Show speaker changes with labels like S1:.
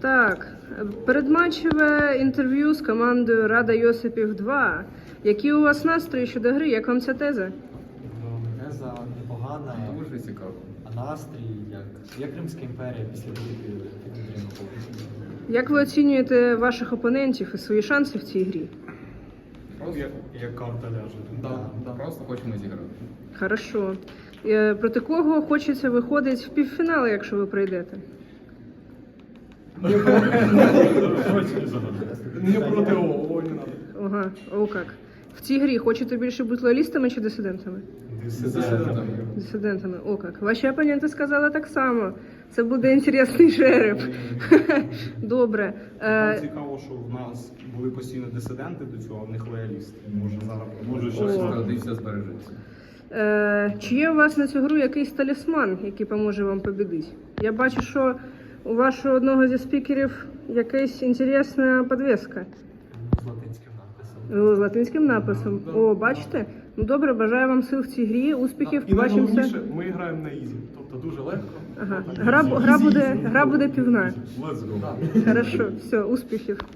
S1: Так, передматчеве інтерв'ю з командою Рада Йосипів 2. Які у вас настрої щодо гри? Як вам ця теза?
S2: Теза непогана,
S3: Дуже цікаво.
S2: а настрій як Римська імперія після битви під Андрієм.
S1: Як ви оцінюєте ваших опонентів і свої шанси в цій грі?
S3: Просто,
S4: Як карта ляже.
S3: просто хочемо зіграти.
S1: Хорошо. Проти кого хочеться виходити в півфінали, якщо ви прийдете?
S4: Не проти ООО, не надо.
S1: Ага, о как. В цій грі хочете більше бути лоялістами чи дисидентами? Дисидентами, о как. Ваші опоненти сказали так само. Це буде інтересний жереб. Добре.
S4: Нам цікаво, що в нас були постійно дисиденти до цього, а в них лоялісти. Може щось
S3: Традиція збережеться.
S1: Чи є у вас на цю гру якийсь талісман, який поможе вам побідити? Я бачу, що у вашого одного зі спікерів якась інтересна підвіска.
S2: З латинським написом.
S1: З латинським написом. О, бачите? Ну добре, бажаю вам сил в цій грі, успіхів,
S4: І
S1: побачимося.
S4: найголовніше, ми граємо на ізі, тобто дуже легко.
S1: Ага. Гра буде півна.
S4: Let's go.
S1: Хорошо, все, успіхів.